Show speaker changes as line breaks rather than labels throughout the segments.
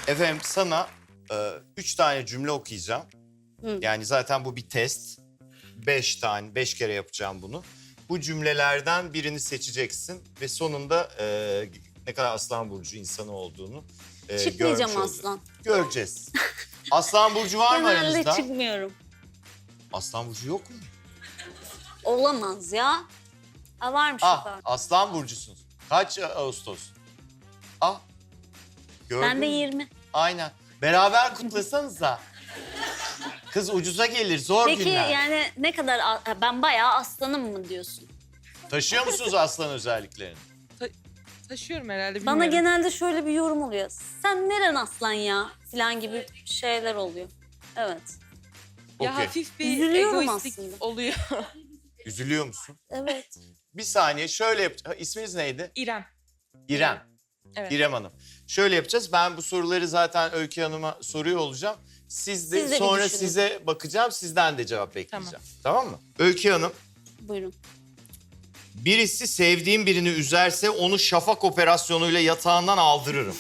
Efendim sana 3 tane cümle okuyacağım. Yani zaten bu bir test. 5 kere yapacağım bunu. Bu cümlelerden birini seçeceksin ve sonunda ne kadar Aslan Burcu insanı olduğunu görmüş
Çıkmayacağım
olacağız.
aslan.
Göreceğiz. Aslan Burcu var mı
Genelde
aranızda?
çıkmıyorum.
Aslan Burcu yok mu?
Olamaz ya. Ha, varmış
Ah,
yukarıda.
Aslan Burcu'sunuz. Kaç Ağustos? Ah, gördün
Ben de
mü?
20.
Aynen. Beraber kutlasanıza. Kız ucuza gelir, zor
Peki
günler.
yani ne kadar... Ben bayağı aslanım mı diyorsun?
Taşıyor musunuz aslan özelliklerini?
Taşıyorum herhalde, bilmiyorum.
Bana genelde şöyle bir yorum oluyor. Sen neren aslan ya? Falan gibi şeyler oluyor. Evet.
Ya
Okey.
hafif bir
Üzülüyorum
egoistik
aslında.
oluyor.
Üzülüyor musun?
Evet.
Bir saniye şöyle yapacağız. İsminiz neydi?
İrem.
İrem.
Evet.
İrem Hanım. Şöyle yapacağız. Ben bu soruları zaten Öykü Hanım'a soruyor olacağım.
Siz de bir
Sonra
düşünün.
size bakacağım. Sizden de cevap bekleyeceğim. Tamam mı? Öykü Hanım.
Buyurun.
Birisi sevdiğim birini üzerse onu şafak operasyonuyla yatağından aldırırım.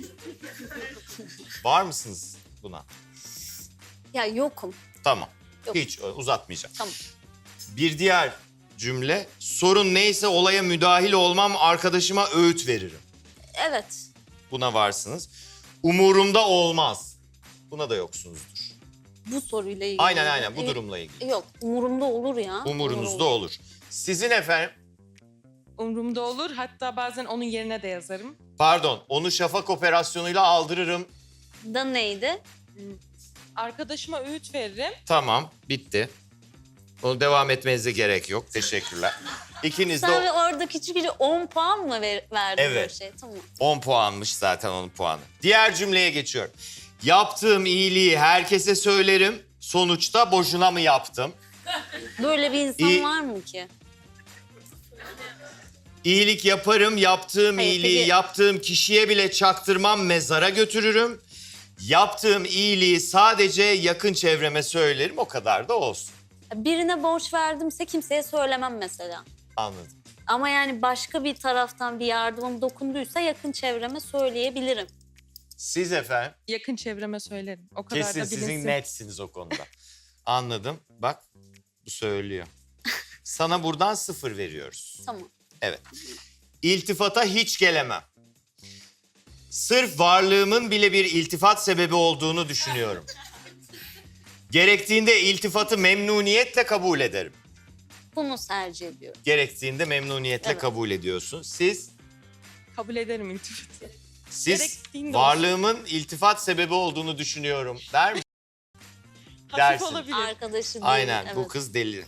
Var mısınız buna?
Ya yokum.
Tamam.
Yok.
Hiç uzatmayacağım.
Tamam.
Bir diğer cümle. Sorun neyse olaya müdahil olmam, arkadaşıma öğüt veririm.
Evet.
Buna varsınız. Umurumda olmaz. Buna da yoksunuzdur.
Bu soruyla ilgili.
Aynen bu durumla ilgili.
Yok. Umurumda olur ya.
Umurunuzda olur. Sizin efendim,
Umrumda olur. Hatta bazen onun yerine de yazarım.
pardon, onu şafak operasyonuyla aldırırım.
Da neydi?
Arkadaşıma öğüt veririm.
Tamam, bitti. Onu devam etmenize gerek yok. Teşekkürler. İkiniz de
Sen orada küçük 10 puan mı verdin
Evet.
böyle şey? Tamam.
10 puanmış zaten onun puanı. Diğer cümleye geçiyorum. Yaptığım iyiliği herkese söylerim. Sonuçta boşuna mı yaptım?
Böyle bir insan
İyi-
var mı ki?
İyilik yaparım, yaptığım
Hayır,
iyiliği
peki-
yaptığım kişiye bile çaktırmam, mezara götürürüm. Yaptığım iyiliği sadece yakın çevreme söylerim, o kadar da olsun.
Birine borç verdimse kimseye söylemem mesela.
Anladım.
Ama yani başka bir taraftan bir yardımım dokunduysa yakın çevreme söyleyebilirim.
Siz efendim,
Yakın çevreme söylerim. O kadar
kesin
da bilinsin.
sizin netsiniz o konuda. Anladım, bak bu söylüyor. Sana buradan 0 veriyoruz.
Tamam.
Evet. İltifata hiç gelemem. Sırf varlığımın bile bir iltifat sebebi olduğunu düşünüyorum. Gerektiğinde iltifatı memnuniyetle kabul ederim.
Bunu tercih ediyorum.
Gerektiğinde memnuniyetle
Evet.
kabul ediyorsun. Siz
Kabul ederim iltifatı.
siz
Gerektiğinde
varlığımın iltifat sebebi olduğunu düşünüyorum der misin?
Hafif
Dersin.
olabilir.
Arkadaşı değil.
Aynen,
evet.
bu kız deli.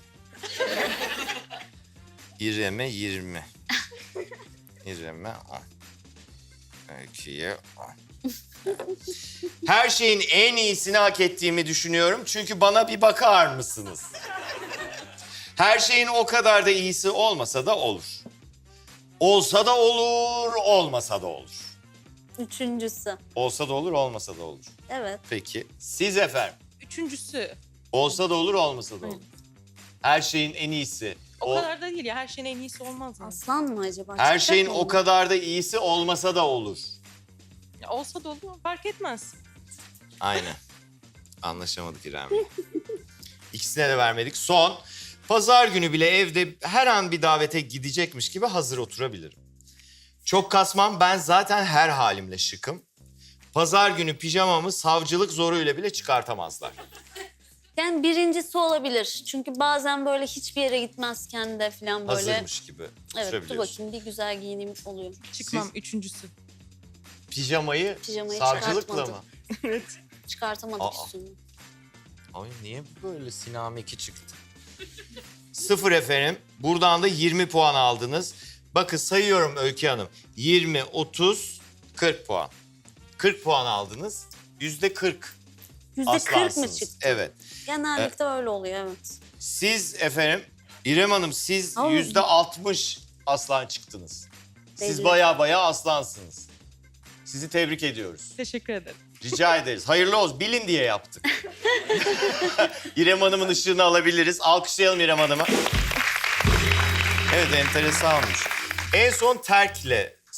İrem'e 20. İrem'e 10. Öykü'ye 10. Her şeyin en iyisini hak ettiğimi düşünüyorum. Çünkü bana bir bakar mısınız? Her şeyin o kadar da iyisi olmasa da olur. Olsa da olur, olmasa da olur.
Üçüncüsü.
Olsa da olur, olmasa da olur.
Evet.
Peki, siz efendim?
Üçüncüsü.
Olsa da olur, olmasa da olur. Her şeyin en iyisi.
O kadar da değil ya. Her şeyin en iyisi olmaz mı?
Aslan mı acaba?
Her
Çıkacak
şeyin
mı
o
bu?
kadar da iyisi olmasa da olur.
Ya olsa da olur. Fark etmez.
Aynen. Anlaşamadık İrem'le. İkisine de vermedik. Son. Pazar günü bile evde her an bir davete gidecekmiş gibi hazır oturabilirim. Çok kasmam, ben zaten her halimle şıkım. Pazar günü pijamamı savcılık zoruyla bile çıkartamazlar.
Yani birincisi olabilir. Çünkü bazen böyle hiçbir yere gitmezken de falan böyle...
Hazırmış gibi
Evet, dur
oturabiliyorsun.
bakayım bir güzel giyineyim oluyor.
Çıkmam.
Siz-
Üçüncüsü.
Pijamayı
Pijamayı
savcılıkla
çıkartmadım.
mı?
Evet.
Çıkartamadık
Aa.
üstünü.
Ay niye böyle Sinam 2 çıktı? 0 efendim. Buradan da 20 puan aldınız. Bakın sayıyorum Öykü Hanım. 20, 30, 40 puan. 40 puan aldınız. %40
%40 mı
aslansınız.
çıktı?
Evet.
Genellikle öyle oluyor evet.
Siz efendim, İrem Hanım siz
Ama-
%60 aslan çıktınız. Siz
Belli.
baya aslansınız. Sizi tebrik ediyoruz.
Teşekkür ederim.
Rica ederiz. Hayırlı olsun. Bilin diye yaptık. İrem Hanım'ın ışığını alabiliriz. Alkışlayalım İrem Hanım'a. Evet, enteresan olmuş. En son terkle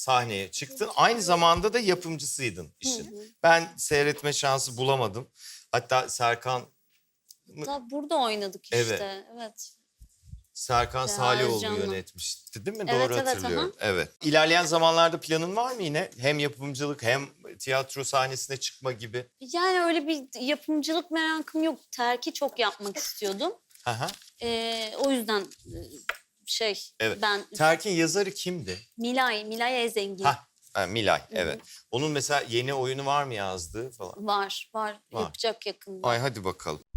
sahneye çıktın. Aynı zamanda da yapımcısıydın işin. Ben seyretme şansı bulamadım. Hatta Serkan
Da burada oynadık işte.
Evet.
Evet.
Serkan
Reha
Salioğlu
Özcan'la.
yönetmişti değil mi?
Evet,
Doğru
evet,
hatırlıyorum. Evet. İlerleyen zamanlarda planın var mı yine? Hem yapımcılık hem tiyatro sahnesine çıkma gibi.
Yani öyle bir yapımcılık merakım yok. Terki çok yapmak istiyordum.
Aha.
O yüzden
Evet.
ben
Terkin yazarı kimdi?
Milay Ezengin
Milay, evet. Onun mesela yeni oyunu var mı yazdığı falan?
var
Var.
yapacak yakında.
Ay hadi bakalım.